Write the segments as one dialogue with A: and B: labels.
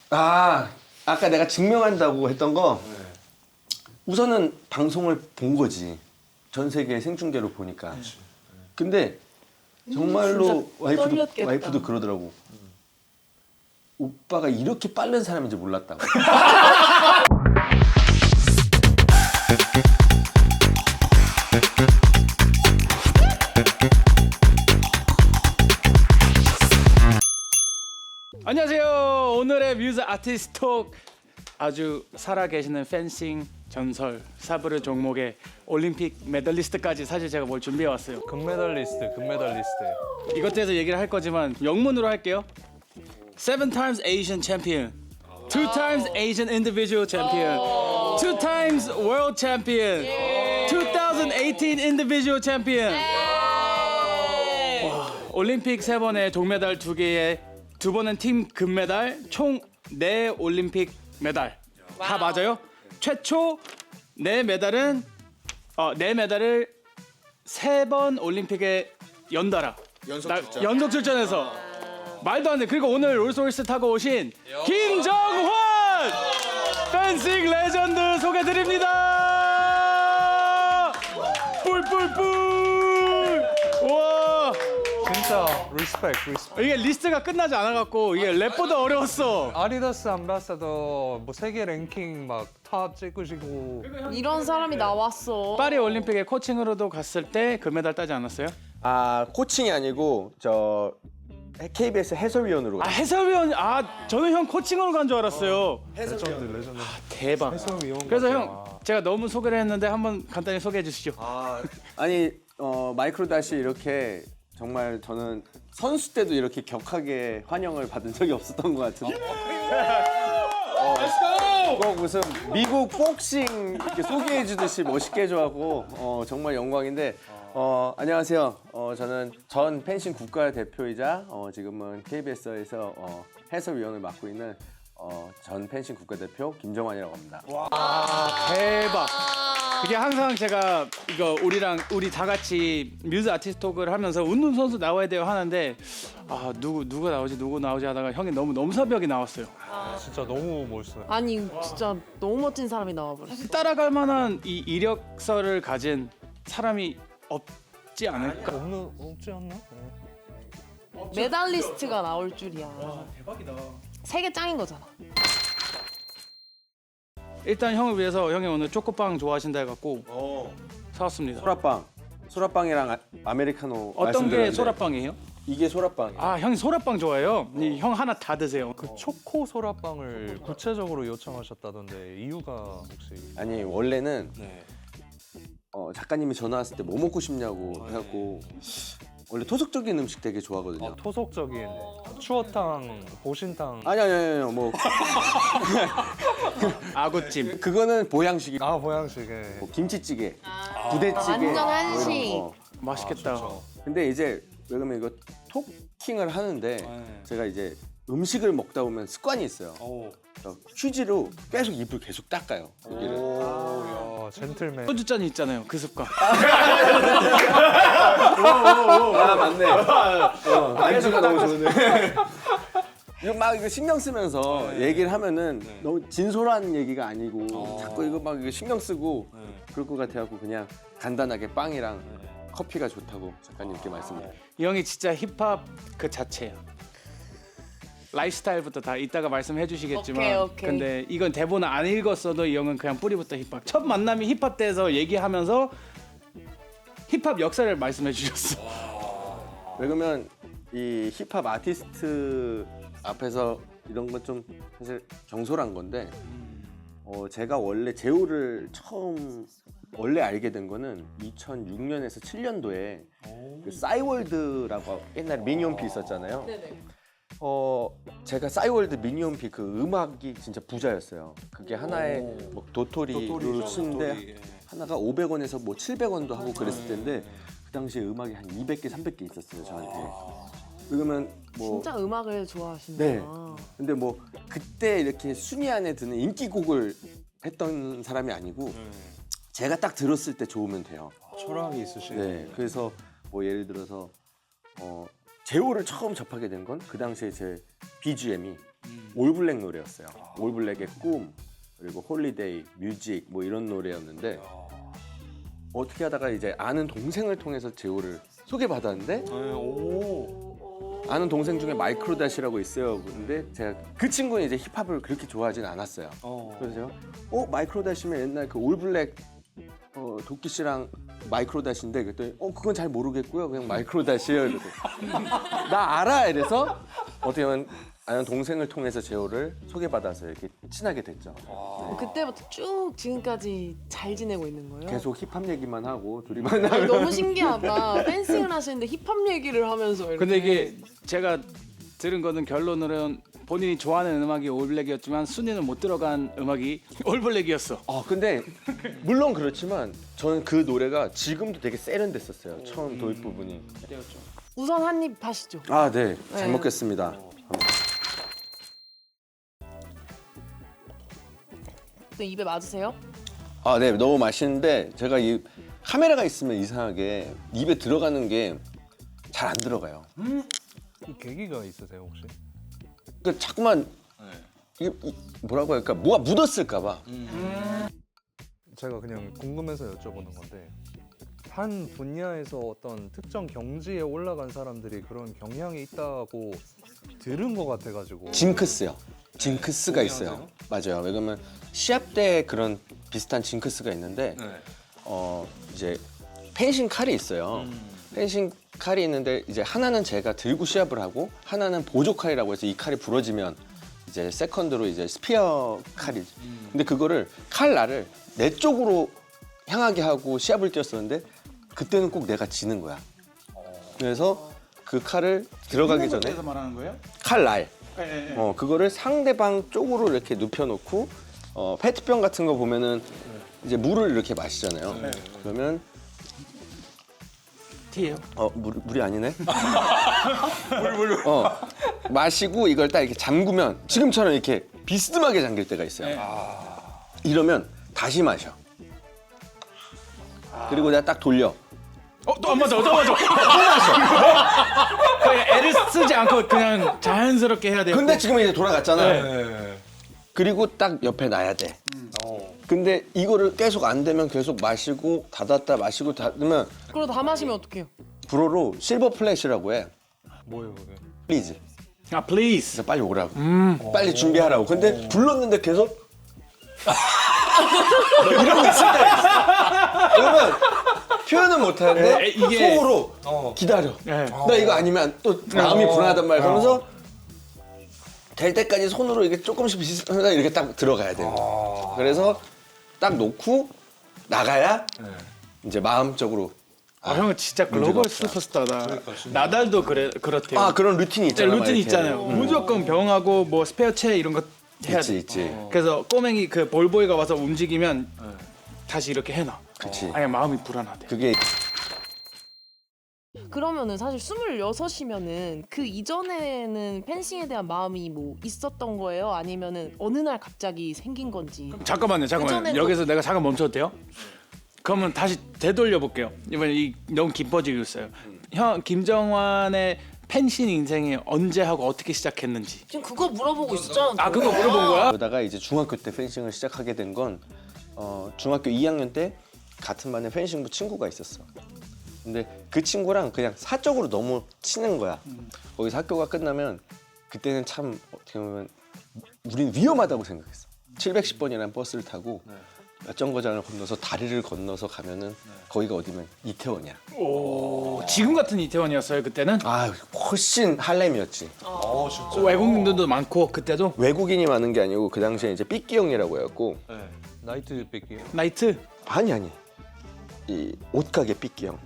A: 아까 내가 증명한다고 했던 거 우선은 방송을 본 거지. 전 세계 생중계로 보니까. 근데 정말로 와이프도 그러더라고. 오빠가 이렇게 빠른 사람인지 몰랐다고.
B: 안녕하세요. 오늘의 뮤즈 아티스트 톡 아주 살아계시는 펜싱 전설 사브르 종목의 올림픽 메달리스트까지 사실 제가 뭘 준비해 왔어요.
C: 금메달리스트.
B: 이것 대해서 얘기를 할 거지만 영문으로 할게요. 7 times Asian champion, 2 times Asian individual champion, 2 times world champion, 2018 individual champion. 와, 올림픽 3번에 동메달 2개에 2번은 팀 금메달, 총 4 올림픽 메달. 다 맞아요? 최초 4메달은 4메달을 3번 올림픽에 연달아 연속 출전해서 말도 안 돼. 그리고 오늘 롤스로이스 타고 오신 김정환 펜싱 레전드 소개드립니다. 뿔뿔뿔. 와.
C: 진짜 리스펙.
B: 이게 리스트가 끝나지 않아갖고 이게 랩보다 어려웠어.
C: 아디다스 암바사더 뭐 세계 랭킹 막 탑 찍으시고
D: 이런 사람이 나왔어.
B: 파리 올림픽에 코칭으로도 갔을 때 금메달 따지 않았어요?
A: 코칭이 아니고 저 KBS 해설위원으로.
B: 해설위원. 저는 형 코칭으로 간 줄 알았어요.
C: 레전드.
B: 대박.
C: 해설위원
B: 그래서
C: 같아요.
B: 형 제가 너무 소개를 했는데 한번 간단히 소개해 주시죠.
A: 아니 마이크로 다시 이렇게 정말 저는 선수 때도 이렇게 격하게 환영을 받은 적이 없었던 것 같은데. 꼭 무슨 미국 복싱 이렇게 소개해 주듯이 멋있게 해줘하고 정말 영광인데. 안녕하세요. 저는 전 펜싱 국가대표이자 지금은 KBS에서 해설위원을 맡고 있는 전 펜싱 국가대표 김정환이라고 합니다.
B: 대박. 그게 항상 제가 이거 우리 다 같이 뮤즈 아티스트 톡을 하면서 운동 선수 나와야 돼요 하는데 누구 나오지 하다가 형이 너무 넘사벽이 나왔어요.
C: 진짜 너무 멋있어요.
D: 아니 진짜 너무 멋진 사람이 나와버렸어.
B: 따라갈 만한 이 이력서를 가진 사람이 없지 않을까?
C: 없지 않나?
D: 메달리스트가 나올 줄이야.
B: 대박이다.
D: 세계 짱인 거잖아.
B: 일단 형을 위해서 형이 오늘 초코빵 좋아하신다 해갖고 사왔습니다.
A: 소라빵이랑 아메리카노.
B: 어떤 게
A: 말씀드렸는데
B: 소라빵이에요?
A: 이게 소라빵.
B: 형이 소라빵 좋아해요. 형 하나 다 드세요.
C: 그 초코 소라빵을 구체적으로 요청하셨다던데 이유가 혹시?
A: 아니 원래는 작가님이 전화 왔을 때 뭐 먹고 싶냐고 해갖고 원래 토속적인 음식 되게 좋아하거든요.
C: 토속적인 추어탕, 보신탕.
A: 아니 뭐
B: 아구찜.
A: 그거는 보양식이.
C: 보양식에.
A: 뭐 김치찌개, 부대찌개.
D: 완전
A: 뭐
D: 한식.
A: 이런 거.
B: 맛있겠다.
A: 근데 이제 왜 그러면 이거 토킹을 하는데 제가 이제 음식을 먹다 보면 습관이 있어요. 그래서 휴지로 계속 입을 계속 닦아요. 여기를.
C: 야, 젠틀맨.
B: 소주잔이 있잖아요. 그 습관.
A: 맞네. 안주가 너무 좋네. 이거 막 이거 신경 쓰면서 얘기를 하면은 너무 진솔한 얘기가 아니고 자꾸 이거 막 이거 신경 쓰고 그럴 것 같아갖고 그냥 간단하게 빵이랑 커피가 좋다고 작가님께 말씀드려요.
B: 이 형이 진짜 힙합 그 자체야. 라이프스타일부터 다 이따가 말씀해 주시겠지만
D: 오케이.
B: 근데 이건 대본 안 읽었어도 이 형은 그냥 뿌리부터 힙합. 첫 만남이 힙합 때에서 얘기하면서 힙합 역사를 말씀해 주셨어.
A: 왜 그러면 이 힙합 아티스트 앞에서 이런 건 좀 사실 경솔한 건데 제가 원래 제호를 처음 원래 알게 된 거는 2006년에서 7년도에 그 싸이월드라고 옛날에 미니홈피 있었잖아요. 제가 싸이월드 미니홈피 그 음악이 진짜 부자였어요. 그게 하나에 뭐 도토리로 쓰는데 하나가 500원에서 뭐 700원도 하고 그랬을 텐데 그 당시에 음악이 한 200개, 300개 있었어요, 저한테. 그러면 뭐
D: 진짜 음악을 좋아하시는구나.
A: 네. 근데 뭐 그때 이렇게 순위 안에 드는 인기곡을 했던 사람이 아니고 제가 딱 들었을 때 좋으면 돼요.
C: 철학이 있으시네.
A: 네. 그래서 뭐 예를 들어서 제호를 처음 접하게 된 건 그 당시에 제 BGM이 올블랙 노래였어요. 올블랙의 꿈, 그리고 홀리데이, 뮤직 뭐 이런 노래였는데 어떻게 하다가 이제 아는 동생을 통해서 제호를 소개받았는데 아는 동생 중에 마이크로닷이라고 있어요. 근데 제가 그 친구는 이제 힙합을 그렇게 좋아하진 않았어요. 그래서 제가 마이크로닷이면 옛날 그 올블랙 도끼 씨랑 마이크로닷인데 그랬더니 그건 잘 모르겠고요. 그냥 마이크로닷이에요. 이러고 나 알아 이래서 어떻게 보면 아는 동생을 통해서 제호를 소개받아서 이렇게 친하게 됐죠.
D: 그때부터 쭉 지금까지 잘 지내고 있는 거예요?
A: 계속 힙합 얘기만 하고 둘이 만나면
D: 아니, 너무 신기하다. 댄싱을 하시는데 힙합 얘기를 하면서 이렇게.
B: 근데 이게 제가 들은 거는 결론으로는 본인이 좋아하는 음악이 올블랙이었지만 순위는 못 들어간 음악이 올블랙이었어.
A: 근데 물론 그렇지만 저는 그 노래가 지금도 되게 세련됐었어요. 처음 도입 부분이.
D: 우선 한 입 하시죠.
A: 아, 네. 잘
D: 네.
A: 먹겠습니다.
D: 또 입에 맞으세요?
A: 아, 네. 너무 맛있는데 제가 이 카메라가 있으면 이상하게 입에 들어가는 게 잘 안 들어가요.
C: 그 계기가 있으세요 혹시?
A: 그 자꾸만 이게 뭐라고 할까? 뭐가 묻었을까 봐.
C: 제가 그냥 궁금해서 여쭤보는 건데 한 분야에서 어떤 특정 경지에 올라간 사람들이 그런 경향이 있다고 들은 것 같아가지고.
A: 징크스요. 징크스가 있어요. 맞아요. 왜냐면 시합 때 그런 비슷한 징크스가 있는데 이제 펜싱 칼이 있어요. 펜싱 칼이 있는데 이제 하나는 제가 들고 시합을 하고 하나는 보조 칼이라고 해서 이 칼이 부러지면 이제 세컨드로 이제 스피어 칼이. 근데 그거를 칼날을 내 쪽으로 향하게 하고 시합을 뛰었었는데 그때는 꼭 내가 지는 거야. 그래서 그 칼을 들어가기 전에
B: 말하는 거예요?
A: 칼날
B: 네.
A: 그거를 상대방 쪽으로 이렇게 눕혀놓고 페트병 같은 거 보면은 이제 물을 이렇게 마시잖아요. 그러면
B: 티예요?
A: 물이 아니네. 물. 마시고 이걸 딱 이렇게 잠그면 지금처럼 이렇게 비스듬하게 잠길 때가 있어요. 이러면 다시 마셔. 그리고 내가 딱 돌려.
B: 또 안 맞아. 그냥 애를 쓰지 않고 그냥 자연스럽게 해야 돼요.
A: 근데 지금 이제 돌아갔잖아. 그리고 딱 옆에 놔야 돼. 근데 이거를 계속 안 되면 계속 마시고 닫았다 마시고 닫으면
D: 그러다 다 마시면 어떡해요?
A: 불어로 실버 플래시라고 해.
C: 뭐예요 그게?
A: 플리즈.
B: please.
A: 그래서 빨리 오라고. 빨리 준비하라고. 근데 불렀는데 계속 뭐 이런 거 있을 때가 있어. 그러면 표현은 못하는데
B: 이게-
A: 속으로 기다려.
B: 네.
A: 나 이거 아니면 또 마음이 불안하단 말이야. 그러면서 될 때까지 손으로 이게 조금씩 비슷하다 이렇게 딱 들어가야 돼요. 그래서 딱 놓고 나가야 이제 마음적으로
B: 형은 진짜 글로벌 슈퍼스타다. 나달도 그렇대요.
A: 그런 루틴이
B: 진짜
A: 있잖아.
B: 루틴이
A: 이렇게.
B: 있잖아요. 무조건 병하고 뭐 스페어체 이런 거 해야 돼.
A: 있지.
B: 그래서 꼬맹이 그 볼보이가 와서 움직이면 다시 이렇게 해놔.
A: 그치.
B: 아니 마음이 불안하대.
A: 그게
D: 그러면은 사실 26이면은 그 이전에는 펜싱에 대한 마음이 뭐 있었던 거예요? 아니면은 어느 날 갑자기 생긴 건지?
B: 잠깐만요.
D: 그전에는
B: 여기서 내가 잠깐 멈춰도 돼요? 그러면 다시 되돌려 볼게요. 이번에 너무 깊어지고 있어요. 형 김정환의 펜싱 인생이 언제 하고 어떻게 시작했는지.
D: 지금 그거 물어보고 있었잖아.
B: 그거 물어본 거야?
A: 그러다가 이제 중학교 때 펜싱을 시작하게 된 건 중학교 2학년 때 같은 반에 펜싱부 친구가 있었어. 근데 그 친구랑 그냥 사적으로 너무 치는 거야. 거기서 학교가 끝나면 그때는 참 어떻게 보면 우린 위험하다고 생각했어. 710번이라는 버스를 타고 몇 정거장을 건너서 다리를 건너서 가면은 거기가 어디면 이태원이야.
B: 오, 지금 같은 이태원이었어요 그때는?
A: 훨씬 할렘이었지.
B: 외국인들도 많고 그때도
A: 외국인이 많은 게 아니고 그 당시에 이제 삐끼 형이라고 해갖고
C: 나이트 뺏기.
B: 나이트.
A: 아니 이 옷가게 삐끼 형.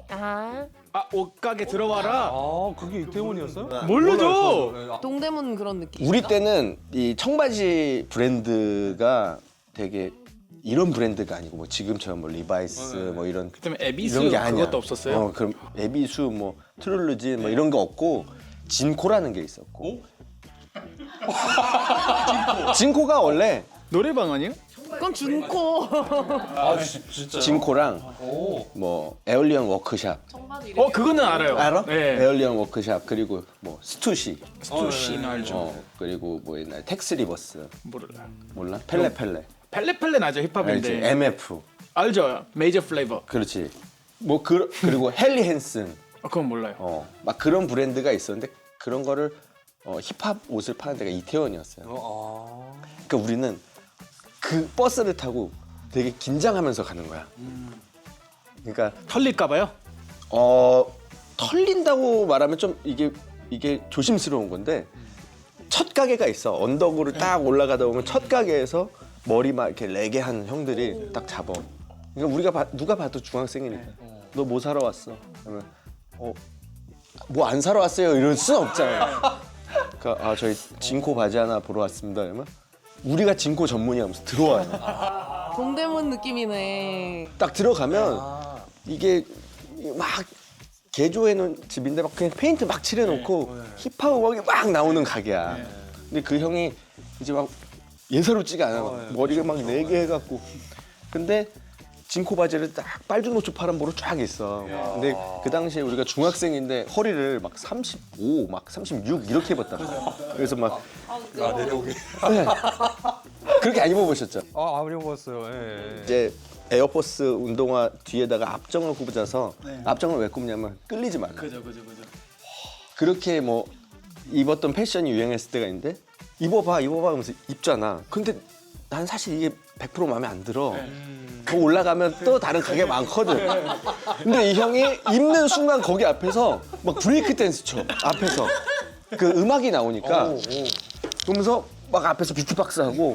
B: 옷가게 들어와라.
C: 그게 이태원이었어요?
B: 모르죠.
D: 동대문 그런 느낌.
A: 우리 때는 이 청바지 브랜드가 되게 이런 브랜드가 아니고 뭐 지금처럼 뭐 리바이스 뭐 이런
B: 그때면 에비스
A: 이런 게 아니야.
B: 그것도 없었어요.
A: 그럼 에비수 뭐 트룰루진 뭐 이런 거 없고 진코라는 게 있었고. 진코가 원래
B: 노래방 아니에요?
D: 그건 준코.
C: 아 진짜.
A: 진코랑
C: 오.
A: 뭐 에얼리언 워크샵
B: 그거는 알아요.
A: 알아?
B: 네.
A: 에얼리언 워크샵 그리고 뭐 스투시
B: 스투시는 알죠.
A: 그리고 뭐 옛날 텍스 리버스
B: 몰라.
A: 몰라? 펠레
B: 펠레펠레는 알죠
A: 알지?
B: 힙합인데.
A: MF
B: 알죠. 메이저 플레이버.
A: 그렇지 뭐 그리고 헨리 헨슨
B: 그건 몰라요.
A: 막 그런 브랜드가 있었는데 그런 거를 힙합 옷을 파는 데가 이태원이었어요. 그러니까 우리는 그 버스를 타고 되게 긴장하면서 가는 거야. 그러니까
B: 털릴까봐요.
A: 털린다고 말하면 좀 이게 조심스러운 건데 첫 가게가 있어. 언덕으로 딱 올라가다 보면 첫 가게에서 머리 막 이렇게 레게한 형들이 딱 잡아. 그러니까 우리가 누가 봐도 중학생이니까 너 뭐 사러 왔어? 그러면 뭐 안 사러 왔어요 이럴 순 없잖아요. 그러니까 저희 진코 바지 하나 보러 왔습니다. 그러면 우리가 진코 전문이야 하면서 들어와요.
D: 동대문 느낌이네.
A: 딱 들어가면 이게 막 개조해놓은 집인데 막 그냥 페인트 막 칠해놓고 힙합 음악이 막 나오는 가게야. 근데 그 형이 이제 막 예사롭지가 않아. 막 머리가 막 4개 해갖고. 근데 진코 바지를 딱 빨주노초 파란보로 쫙 있어. 근데 그 당시에 우리가 중학생인데 허리를 막 35, 막 36 이렇게 입었다. 그래서 막
C: 내려오게.
A: 네. 그렇게 안 입어보셨죠?
C: 안 입어봤어요. 예.
A: 이제 에어포스 운동화 뒤에다가 앞정을 굽어서 앞정을 왜 굽냐면 끌리지 말라.
B: 그죠.
A: 그렇게 뭐 입었던 패션이 유행했을 때가 있는데 입어봐 하면서 입잖아. 근데 난 사실 이게 100% 마음에 안 들어. 더 올라가면 또 다른 가게 많거든. 근데 이 형이 입는 순간 거기 앞에서 막 브레이크 댄스 쳐. 앞에서 그 음악이 나오니까 그러면서 막 앞에서 비트박스 하고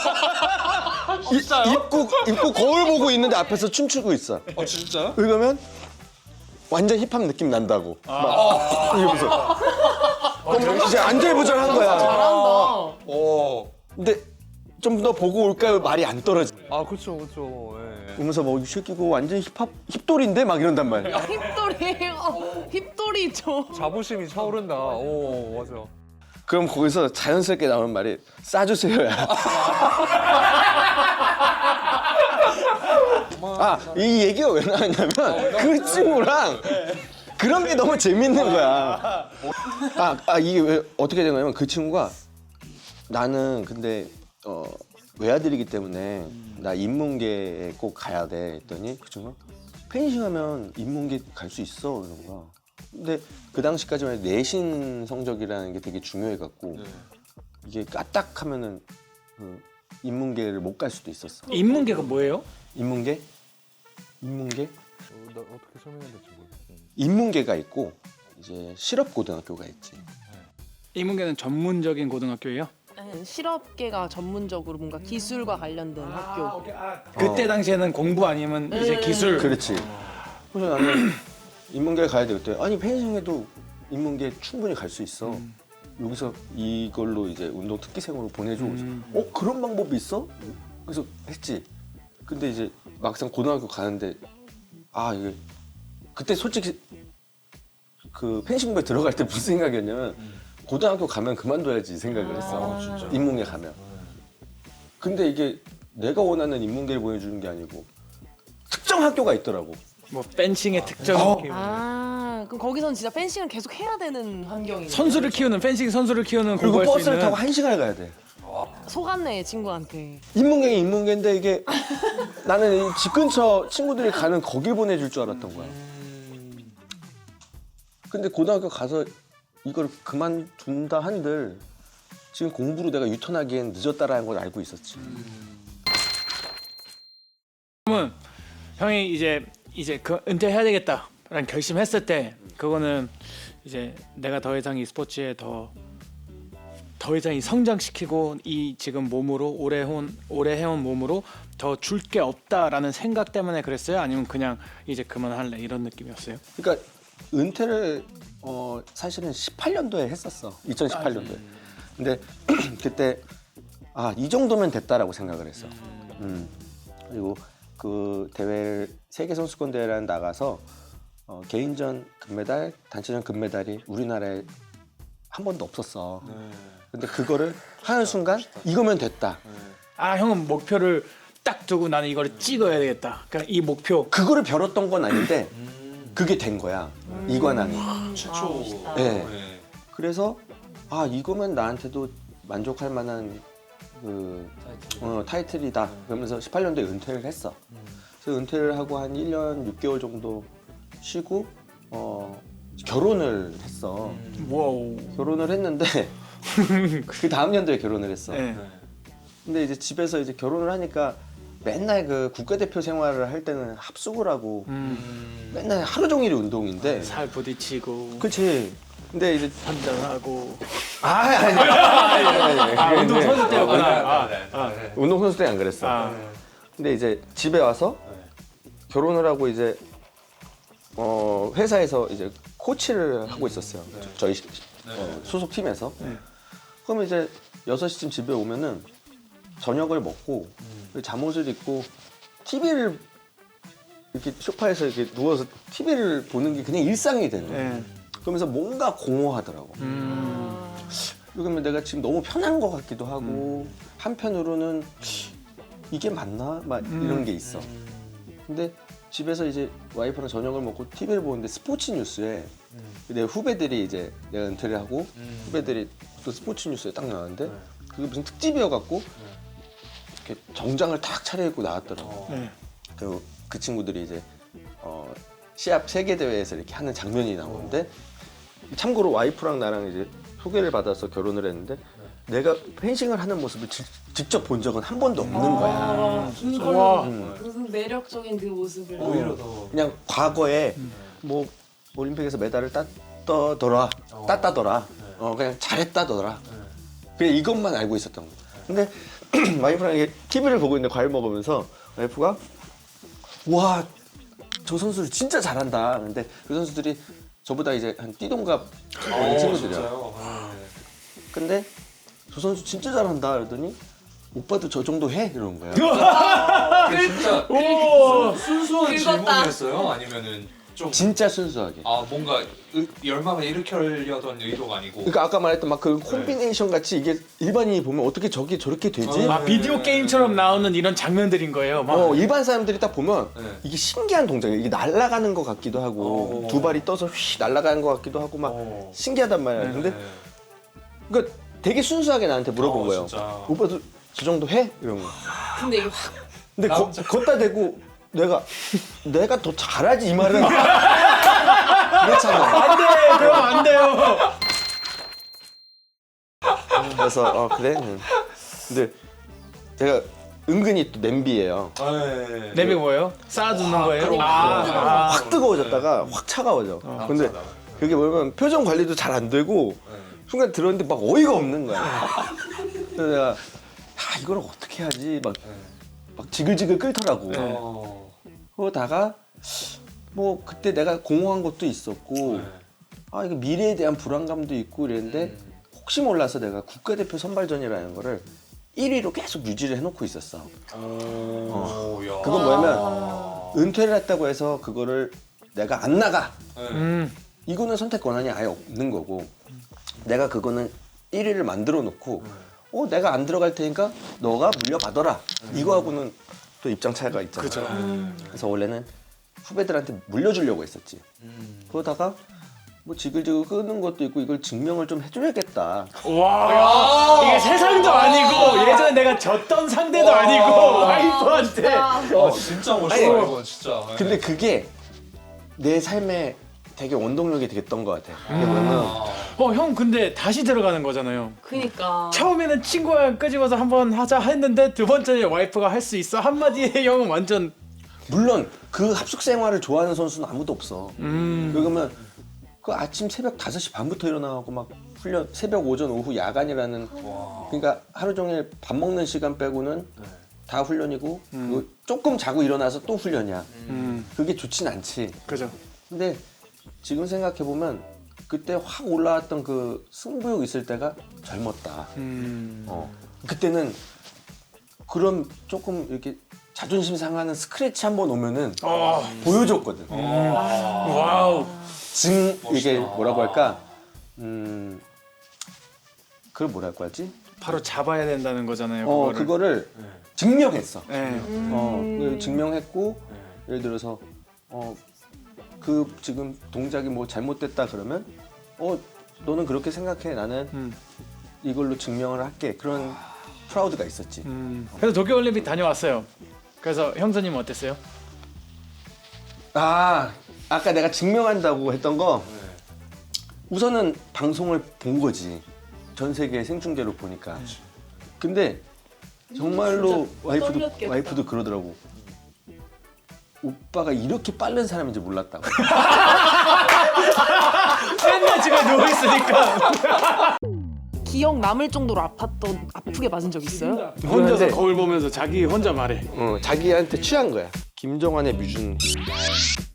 A: 입고 거울 보고 있는데 앞에서 춤추고 있어.
C: 진짜요?
A: 그러면 완전 힙합 느낌 난다고. 막 이러면서. 그럼 이제 안절부절한 거야.
D: 잘한다.
A: 근데 좀 더 보고 올까요? 말이 안 떨어져.
C: 그렇죠. 예.
A: 그러면서 뭐 이 새끼고 완전 힙돌인데 막 이런단 말이야.
D: 힙돌이 죠.
C: 자부심이 차오른다. 오 맞아.
A: 그럼 거기서 자연스럽게 나오는 말이 싸주세요야. 이 얘기가 왜 나왔냐면 그 친구랑 그런 게 너무 재밌는 거야. 이게 왜 어떻게 된 거냐면 그 친구가 나는 근데 외아들이기 때문에 나 인문계에 꼭 가야 돼 했더니 그 친구가 펜싱하면 인문계 갈 수 있어 이런 거야. 근데 그 당시까지만 해도 내신 성적이라는 게 되게 중요해갖고 이게 까딱하면은 인문계를 못 갈 수도 있었어.
B: 인문계가 뭐예요?
A: 인문계?
C: 나 어떻게 설명해야 될지 모르겠어.
A: 인문계가 있고 이제 실업고등학교가 있지.
B: 인문계는 전문적인 고등학교예요?
D: 실업계가 전문적으로 뭔가 기술과 관련된 학교.
B: 그때 당시에는 공부 아니면 이제 기술.
A: 그렇지. 그래서 나는 인문계 가야 되겠대. 아니 펜싱해도 인문계 충분히 갈 수 있어. 여기서 이걸로 이제 운동 특기생으로 보내줘. 그래서 그런 방법이 있어? 그래서 했지. 근데 이제 막상 고등학교 가는데 이게 그때 솔직히 그 펜싱부에 들어갈 때 무슨 생각이었냐면 고등학교 가면 그만둬야지 생각을 했어. 인문계 가면. 근데 이게 내가 원하는 인문계를 보내주는 게 아니고 특정 학교가 있더라고.
B: 뭐 펜싱의 특정
D: 그럼 거기서는 진짜 펜싱을 계속 해야 되는 환경이네.
B: 선수를 키우는 펜싱 선수를 키우는
A: 그리고
B: 공부할 수
A: 버스를
B: 있는
A: 타고 1시간을 가야 돼.
D: 속았네 친구한테.
A: 인문계는 인문계인데 이게 나는 이 집 근처 친구들이 가는 거길 보내줄 줄 알았던 거야. 근데 고등학교 가서 이걸 그만둔다 한들 지금 공부로 내가 유턴하기엔 늦었다라는 걸 알고 있었지.
B: 그러면 형이 이제 그 은퇴해야 되겠다라는 결심했을 때 그거는 이제 내가 더 이상 이 스포츠에 더 이상 이 성장시키고 이 지금 몸으로 오래 해온 몸으로 더 줄 게 없다라는 생각 때문에 그랬어요? 아니면 그냥 이제 그만할래 이런 느낌이었어요?
A: 그러니까 은퇴를 사실은 18년도에 했었어. 2018년도에. 근데 그때 이 정도면 됐다라고 생각을 했어. 그리고 그 대회 세계 선수권 대회를 나가서 개인전 금메달, 단체전 금메달이 우리나라에 한 번도 없었어. 근데 그거를 하는 순간 이거면 됐다.
B: 형은 목표를 딱 두고 나는 이거를 찍어야 되겠다. 그러니까 이 목표.
A: 그거를 벼렀던 건 아닌데 그게 된 거야. 이관왕이.
E: 최초.
A: 네. 그래서 아 이거면 나한테도 만족할 만한 그 타이틀이다. 그러면서 18년도에 은퇴를 했어. 그래서 은퇴를 하고 한 1년 6개월 정도 쉬고 결혼을 했어.
B: 와우.
A: 결혼을 했는데 그 다음 연도에 결혼을 했어.
B: 네.
A: 근데 이제 집에서 이제 결혼을 하니까 맨날 그 국가대표 생활을 할 때는 합숙을 하고 맨날 하루 종일이 운동인데.
B: 살 부딪히고
A: 그렇지. 근데 이제
B: 한잔하고.
A: 아니,
B: 운동 선수 때였구나.
A: 운동 선수 때 안 그랬어. 근데 이제 집에 와서 결혼을 하고 이제 회사에서 이제 코치를 하고 있었어요. 저희 소속 팀에서. 그러면 이제 6시쯤 집에 오면은 저녁을 먹고 잠옷을 입고 TV를 이렇게 소파에서 이렇게 누워서 TV를 보는 게 그냥 일상이 되는 거예요.
B: 네.
A: 그러면서 뭔가 공허하더라고. 그러면 내가 지금 너무 편한 것 같기도 하고 한편으로는 이게 맞나? 막 이런 게 있어. 근데 집에서 이제 와이프랑 저녁을 먹고 TV를 보는데 스포츠 뉴스에 내 후배들이 이제 내가 은퇴를 하고 후배들이 또 스포츠 뉴스에 딱 나왔는데 그게 무슨 특집이어갖고 이렇게 정장을 탁 차려입고 나왔더라고.
B: 네.
A: 그리고 그 친구들이 이제 시합 세계 대회에서 이렇게 하는 장면이 나오는데 참고로 와이프랑 나랑 이제 소개를 받아서 결혼을 했는데 내가 펜싱을 하는 모습을 직접 본 적은 한 번도 없는 거야.
D: 이걸로 무슨 매력적인 그 모습을.
E: 오히려 더.
A: 그냥 과거에 뭐 올림픽에서 메달을 따더라, 땄다더라, 그냥 잘했다더라. 그냥 이것만 알고 있었던 거야. 근데 와이프랑 이게 TV를 보고 있는데 과일 먹으면서 와이프가 와, 저 선수를 진짜 잘한다. 근데 그 선수들이 저보다 이제 한 띠동갑 친구들이야.
E: 진짜요?
A: 근데 저 선수 진짜 잘한다. 그러더니 오빠도 저 정도 해? 이러는 거야.
E: 진짜 순수한
D: 긁었다.
E: 질문이었어요? 아니면은 좀
A: 진짜 순수하게.
E: 뭔가 열망을 일으키려던 의도가 아니고.
A: 그러니까 아까 말했던 막 그 콤비네이션 같이 이게 일반인이 보면 어떻게 저게 저렇게 되지?
B: 아 비디오 게임처럼 나오는 이런 장면들인 거예요. 막.
A: 일반 사람들이 딱 보면
E: 네.
A: 이게 신기한 동작이에요. 이게 날아가는 것 같기도 하고 두 발이 떠서 휘 날아가는 것 같기도 하고 막 신기하단 말이야. 근데 그러니까 되게 순수하게 나한테 물어본 거예요.
E: 진짜.
A: 오빠도 저 정도 해? 이런 거.
D: 근데 이게 확
A: 근데 걷다 대고 내가 더 잘하지 이 말은 그렇잖아.
B: 안 돼, 그럼 안 돼요.
A: 그래서 그래. 근데 제가 은근히 또 냄비예요.
B: 내비 뭐예요? 쌓아두는 거예요?
A: 확 뜨거워졌다가 확 차가워져. 근데 그게 뭐냐면 표정 관리도 잘 안 되고 순간 들었는데 막 어이가 없는 거야. 그래서 내가 이걸 어떻게 하지? 막 지글지글 끓더라고. 그러다가 뭐 그때 내가 공허한 것도 있었고 이게 미래에 대한 불안감도 있고 이랬는데 혹시 몰라서 내가 국가대표 선발전이라는 거를 1위로 계속 유지를 해놓고 있었어. 그건 뭐냐면 은퇴를 했다고 해서 그거를 내가 안 나가. 이거는 선택 권한이 아예 없는 거고 내가 그거는 1위를 만들어 놓고 내가 안 들어갈 테니까 너가 물려받아라. 이거하고는 또 입장 차이가 있잖아. 그래서 원래는 후배들한테 물려주려고 했었지. 그러다가 뭐 지글지글 끄는 것도 있고 이걸 증명을 좀 해줘야겠다.
B: 와, 이게 세상도 아니고 예전에 내가 졌던 상대도 아니고 와이프한테.
E: 진짜 멋있어.
A: 아니,
E: 이거 진짜.
A: 근데 그게 내 삶에 되게 원동력이 되겠던 것 같아. 그게 뭐냐면
B: 형 근데 다시 들어가는 거잖아요.
D: 그니까.
B: 처음에는 친구랑 끄집어서 한번 하자 했는데 두 번째에 와이프가 할 수 있어 한마디에 형은 완전.
A: 물론 그 합숙 생활을 좋아하는 선수는 아무도 없어. 그러면 그 아침 새벽 5시 반부터 일어나고 막 훈련 새벽 오전 오후 야간이라는 그러니까 하루 종일 밥 먹는 시간 빼고는 다 훈련이고 그리고 조금 자고 일어나서 또 훈련이야. 그게 좋진 않지.
B: 그죠.
A: 근데 지금 생각해 보면 그때 확 올라왔던 그 승부욕 있을 때가 젊었다. 그때는 그런 조금 이렇게 자존심 상하는 스크래치 한번 오면은 보여줬거든.
B: 와우.
A: 이게 뭐라고 할까? 그걸 뭐라고 하지?
B: 바로 잡아야 된다는 거잖아요.
A: 그거를 증명했어.
B: 네.
A: 그걸 증명했고 예를 들어서 그 지금 동작이 뭐 잘못됐다 그러면 너는 그렇게 생각해 나는 이걸로 증명을 할게 그런 프라우드가 있었지.
B: 그래서 도쿄올림픽 다녀왔어요. 그래서 형사님은 어땠어요?
A: 아까 내가 증명한다고 했던 거 우선은 방송을 본 거지. 전 세계 생중계로 보니까. 근데 정말로
D: 떨렸겠다.
A: 와이프도 그러더라고. 오빠가 이렇게 빠른 사람인지 몰랐다고.
B: 맨날 집에 누워 있으니까.
D: 기억 남을 정도로 아프게 맞은 적 있어요?
B: 혼자서 거울 보면서 자기 혼자 말해.
A: 자기한테 취한 거야. 김정환의 뮤준.